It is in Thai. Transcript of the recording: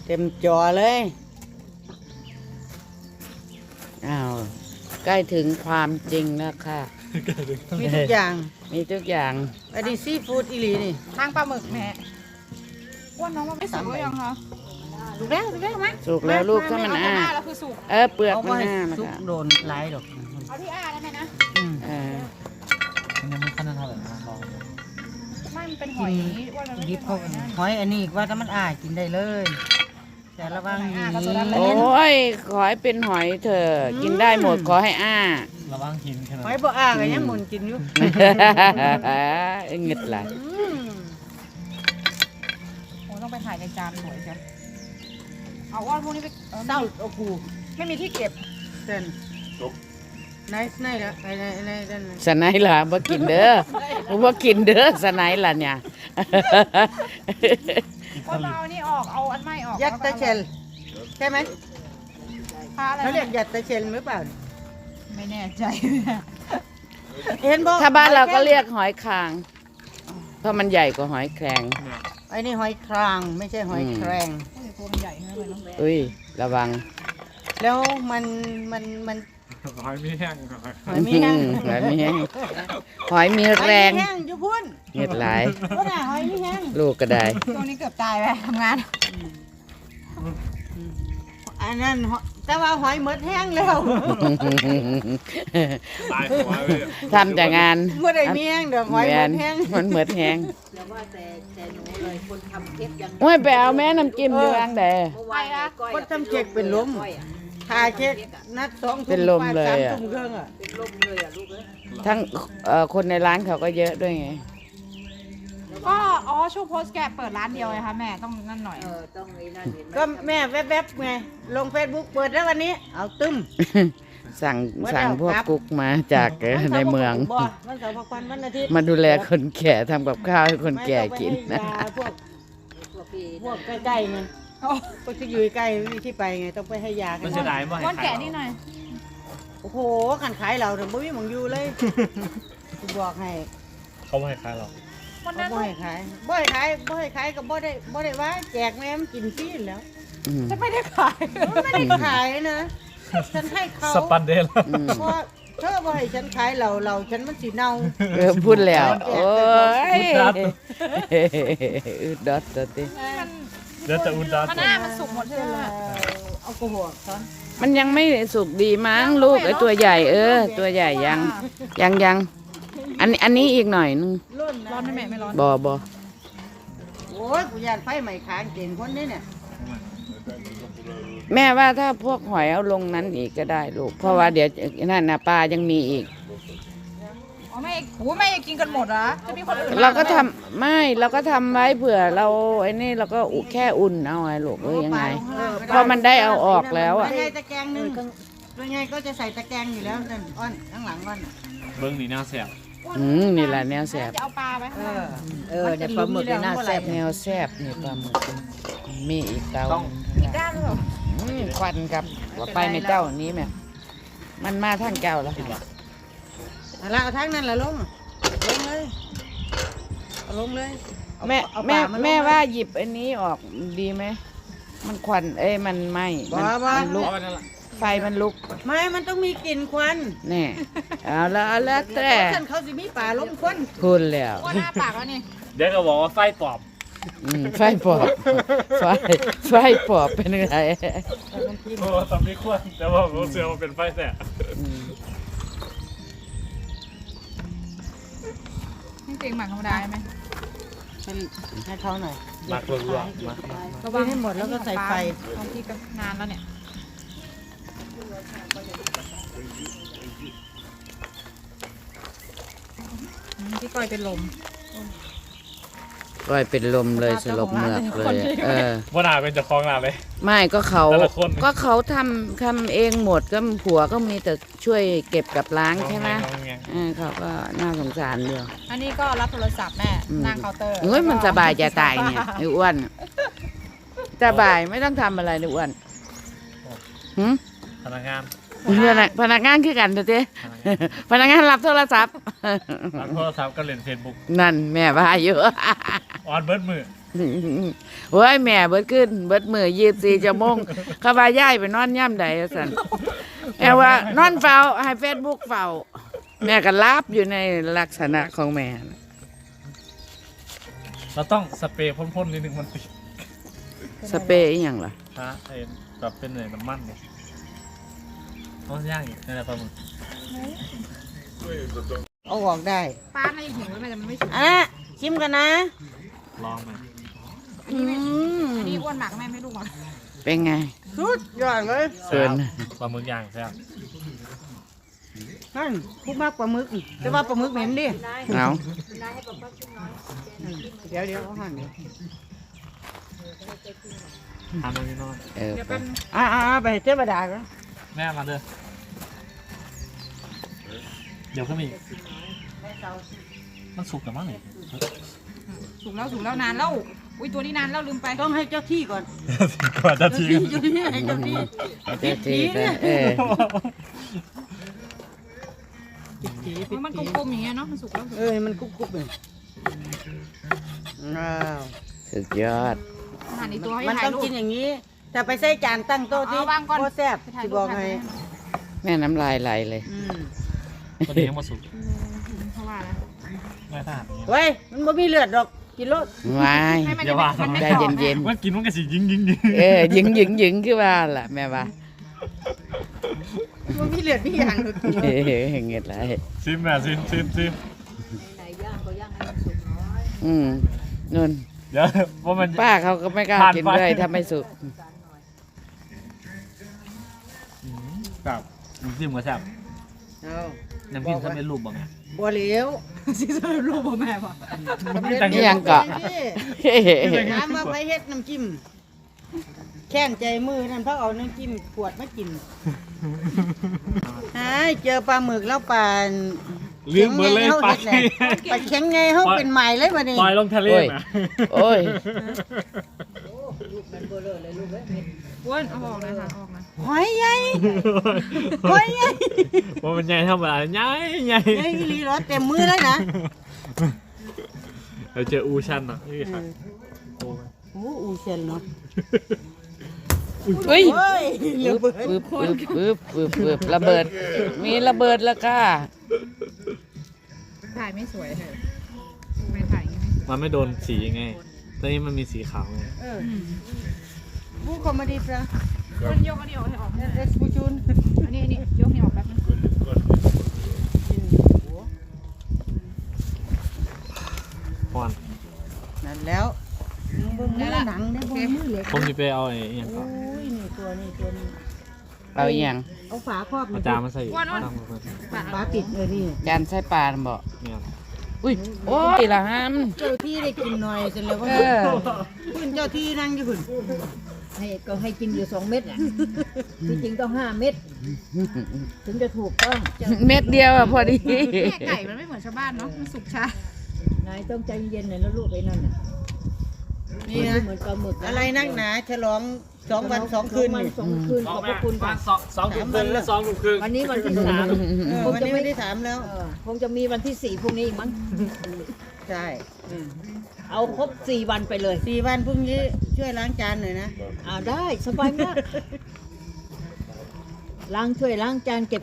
เต็มจอเลยอ้าวใกล้ถึงความจริงแล้วค่ะมีทุกอย่างมีทุกอย่างอันนี้ซีฟู้ดอีหลีนี่ทางปลาหมึกแม่อ้วนน้องมันไม่สุกหรือยังคะถูกแล้วมั้ยสุกแล้วลูกถ้ามันเอาอ้าหน้าแล้วคือสุกเปลือกเอามันไว้อ้านะซุกคะโดนหลายดอกเอาที่อ้าได้ไหมนะเออยังไม่ค่อยน่าเท่าไหร่นะลองไม่มันเป็นหอยอ้วนมันไม่ดิเป็บนหเข้าอยนะหอยอันนี้ว่าถ้ามันอ้ายกินได้เลย แต่ระวังหนีโอ้ยขอให้เป็นหอยเถอะกินได้หมดขอให้อ้าระวังหินแค่นั้นหอยบ่อ้าก็ยังหมุนกินอยู่เงึดไหลโอ้ต้องไปถ่ายในจานสวยจ้ะเอาอ้วนพวกนี้ไปเศร้าโอ้กูไม่มีที่เก็บเต้นไหนละไหนเต้นสไนล่ะบ่กินเด้อบ่กินเด้อสไนล่ะเนี่ยอ้วนมาเอาอันนี้ออกเอาอันไม่ออกยักษ์ตะเชลใช่ไหมปลาอะไรเขาเรียกยักษ์ตะเชลหรือเปล่าไม่แน่ใจเห็นบ่ถ้าบ้านเราก็เรียกหอยคาง เพราะมันใหญ่กว่าหอยแครงไอ้นี่หอยครางไม่ใช่หอยแครงตัวมันใหญ่มากเลยเนาะอุ้ยระวังแล้วมันหอยไม่แห้งหอยมีแห้งหอยมีแห้งหอยมีแรงหอยมีแห้งอยู่พุ่นเงึดไหลายพุ่นน่ะหอยมีแห้งลูกก็ได้ตัวนี้เกือบตายไปทำงานอันนั้นแต่ว่าหอยหมดแห้งแล้วตายหัวเลยทำแต่งานเมื่อใดมีแห้งเดี๋ยวหอยหมดแห้งมันเหมือนแห้งแต่ว่าแต่หนูเลยคนทำเทปยังโอ้ยไปเอาแม่น้ำจิ้มอยู่อังใดเมื่อวานก้อยคนทำเค้กเป็นลมทาเค้กนัด2 ทุ่มเป็นลมเลย 3 อะทุ่มครึ่งอ่ะเป็นลมเลยอ่ะลูกเอ้ยทั้งคนในร้านเขาก็เยอะด้วยไงก็อ๋อช่วงโพสต์แกเปิดร้านเดียวไงคะแม่ต้องนั่นหน่อยต้องไอ้นั่นเห็นไหมก็แม่แวบๆไงลง Facebook เปิดแล้ววันนี้ เอาตึ้มสั่งพวกกุ๊กมาจากในเมืองบ่วันเสาร์พักวันวันอาทิตย์มาดูแลคนแก่ทำกับข้าวให้คนแก่กินไม่ต้องไปให้ยาพวกพวกพี่พวกใกล้ๆไงพวกที่อยู่ใกล้ไม่มีที่ไปไงต้องไปให้ยากัมัน นจะได้บ่ก้อนแกะนี่หน่อยโอ้โหขันขายเราถึงบ่มีหมองอยู่เลยกูบอกให้เขาไม่ให้ขายหรอกวันเขานั้นบ่ให้ขายบ่ให้ขายบ่ให้ขายก็บ่ได้ว่าแจกแม่มนกินฟรีแล้วอืมจะไม่ได้ขายไม่ได้ขายนะฉันให้เขาสปันเดลอืมเพราะเธอบ่ให้ฉันขายเราฉันมันสิเน่าพูดแล้ว โอ้ยอึดดอดตัวติมันเดี๋ยวจะอุดดันมันหน้ามันสุกหมดใช่ไหมเอากระหัวซ้อนมันยังไม่สุกดีมั้งลูกไอ้ตัวใหญ่ตัวใหญ่ยังอันนี้อีกหน่อยนึงร้อนร้อนไหมแม่ไม่ร้อนบอโอ้ยกูยานไฟใหม่ค้างเก่งคนนี้เนี่ยแม่ว่าถ้าพวกหอยเอาลงนั้นอีกก็ได้ลูก เพราะว่าเดี๋ยวนั่นนะปลายังมีอีกอ๋อแม่โอ้แม่ยังกินกันหมดเหรอจะมีคนอื่นเราก็ทำไม่เราก็ทำไว้เผื่อเราไอ้นี่เราก็แค่อุ่นเอาไงลูกยังไง เพราะมันได้เอาออกแล้วอะตัวใหญ่ตะแกรงหนึงตัวใหญ่ก็จะใส่ตะแกรงอยู่แล้วนั่นอ้อนข้างหลังอ้อนเบิ้งนี่น่าแสบนี่แหละแนวแสบจะเอาปลาไหมเนี่ยปลาหมึกเนี่ยน่าแซ่บแนวแสบนี่ปลาหมึกมีอีกเตาอีกด้านหรือเปล่าควันกับว่าไปในเจ้านี้แม่มันมาทางเจ้าแล้วค่ะเอาละเอาทั้งนั้นละลงเลยเอาลงเลยเอาแม่เอาแม่ปลาาลงแม่ว่าหยิบอันนี้ออกดีไหมมันควันมันไหมมันลุกไฟมันลุกไม่มันต้องมีกลิ่นควันแน่เอาแล้วแต่ท่านเขาสิมีป่าลมควันพูดแล้วอ้วนหน้าปากแล้วนี่เดี๋ยวก็บอกว่าไฟปอบไฟปอบไฟปอบเป็นไงโอ้ตอนนี้ควรแต่ว่าผมเชื่อว่าเป็นไฟแสบจริงๆหมักธรรมดาใช่ไหมให้เขาหน่อยมักรัวๆมักระวังให้หมดแล้วก็ใส่ไฟบางทีก็นานแล้วเนี่ยพี่ก้อยเป็นลมก้อยเป็นลมเลยสลบเหมือกเลยว่านาเป็นเจ้าของร้านเลยไม่ก็เขาแต่ละคนก็เขาทำเองหมดก็ผัวก็มีแต่ช่วยเก็บกับล้างใช่ไหมเขาก็น่าสงสารเดียวอันนี้ก็รับโทรศัพท์แม่นั่งเคาน์เตอร์เฮ้ยมันสบายจะตายเนี่ยไอ้อ้วนสบายไม่ต้องทำอะไรเลยอ้วนหืมพนักงานพนักงานคือกันเถอะเจ๊พนักงานรับโทรศัพท์รับโทรศัพท์ก็เล่นเฟซบุ๊กนั่นแม่ว่าอยู่ออนเบิร์ดมือโอ้ยแม่เบิดขึ้นเบิดมือ24ชั่วโมงเขาว่าย้ายไปนอนย่ำใดสั่นแม่ว่านอนเฝ้าให้ Facebook เฝ้าแม่ก็รับอยู่ในลักษณะของแม่น่ะเราต้องสเปรย์พ่นๆนิดนึงมันติดสเปรย์อีหยังล่ะฮะไอ้แบบเป็นเหนื่อยน้ำมันเนี่ยต้องย่างอีกนี่แหละปลาหมึกเอาออกได้ป้าน่าจะหิวแล้วแม่แต่มันไม่สุกอ่ะชิมกันนะลองไหมอันนี้อ้วนหมากแม่ไม่รู้หรอกเป็นไงสุดยอดเลยเกินปลาหมึกย่างแซ่บนั่นพูดมากปลาหมึกแต่ว่าปลาหมึกเหม็นดิเอานายให้ป๊าป๊าชิมน้อยเดี๋ยวเอาหั่นเดี๋ยวทานตรงนี้นอนเออเดี๋ยวไปเป็นไปเจ้าบดากันแม่มาเด้อเดี๋ยวก็มีมันสุกแต่มั้งนี่สุกแล้วนานแล้วอุ้ยตัวนี้นานแล้วลืมไปต้องให้เจ้าที่ก่อนก่อนจะทิ้งเจ้าที่ให้เจ้าที่เจ้าจีไปเออมันกลมๆอย่างเงี้ยเนาะมันสุกแล้วมันกุ๊บเลยว้าวสุดยอดหั่นอีกตัวให้มันถ่ายต้องรูปกินอย่างนี้แต่ไปใส่จานตั้งโต๊ะที่เอาวางก่อนโคตรแซ่บไปถ่ายที่รูบปอกถ่ายให้รูปแม่น้ำลายไหลเลยตัวนี้ยังมาสุกเพราะว่านะแม่ทหารอย่างเงี้ยเว้ยมันบ่มีเลือดดอกกินรสวายให้มันอย่าว่ามันไม่ใจกรอบเย็นว่ากินมันก็สิยิงเออหยึงคือว่าล่ะแม่ว่ามันมีเลือดมีอย่างเลยเฮ้ยเงียบไรซิมแม่ซิมนายย่างก็ย่างให้มันสุกน้อยนุ่นเดี๋ยวว่ามันป้าเขาก็ไม่กล้ากินด้วยถ้าไม่สุกแบบน้ำจิ้มก็แซ่บเอาน้ำจิ้มถ้าเป็นรูปบ้างไงบัวเหลวซิสเตอร์รูปบ่แม่ป่ะนี่ยังเกาะน้ำมาไปเฮ็ดน้ำจิ้มแข้งใจมือนั่นเพราะเอาน้ำจิ้มขวดมากินหายเจอปลาหมึกแล้วปลาลืมเบอร์เลยไปปลาเข็งไงเขาเป็นใหม่เลยวันนี้ปล่อยลงทะเลนะโอ้ยลูกมันเบลอเลยลูกเอ้ยเม็ดอ้วนเอาออกนะค่ะออกนะหอยใหญ่หอยใหญ่ว่ามันใหญ่เท่าไหร่ใหญ่เฮ้ยอีหลีเหรอเต็มมือเลยนะเราเจออูชันอ่ะนี่ครับโอ้ยโอ้อูเซนเนาะเฮ้ยเฮ้ยเลือปึ๊บเบิดปึ๊บระเบิด มีระเบิดแล้วค่ะถ่ายไม่สวยเลยไม่ถ่ายอย่างงี้ไม่สวยมันไม่โดนสีไงตอนนี้มันมีสีขาวไงผู้คอมเมดี้ปะอ้วนยกอันนี้ออกให้ออกให้เอสบูจูนอันนี้ยกนี่ออกแป๊บนึงพอนนั่นแล้วมึงเบิ่งมือหนังได้บ่มือเหล็กผมจะไปเอาไอ้อหย่างก่อนโอ้ยนี่ตัวนี้เอาอหย่างเอาฝาครอบอาจารย์มันใส่ตั้งมือฝาปิดเลยนี่จานใส่ปลาน่ะบอกเนี่ยอุ้ย โอ้ยละฮัมเจ้าที่ได้กินหน่อยเสร็จแล้วก็เออคุณเจ้าที่นั่งอยู่คุณก็ให้กินอยู่2 เม็ดอ่ะที่จริงต้อง5 เม็ดถึงจะถูกต้องเม็ดเดียวอะพอดีแม่ไก่มันไม่เหมือนชาวบ้านเนาะมันสุกช้านายต้องใจเย็นหน่อยแล้วลูกไอ้นั่นน่ะนี่นะเหมือนปลาหมึกอะไรนักหนาฉลอง2 วัน 2 คืนวันนี่ 2 คืนขอบพระคุณค่ะ 2 ทุ่มครึ่งและ2 ทุ่มครึ่งวันนี้วันที่ 3 วันนี้ไม่ได้ถามแล้วคงจะมีวันที่4พรุ่งนี้อีกมั้งใช่เอาครบ4 วันไปเลย 4 วันพรุ่งนี้ช่วยล้างจานหน่อยนะได้สบายมากล้างถ้วยล้างจานเก็บ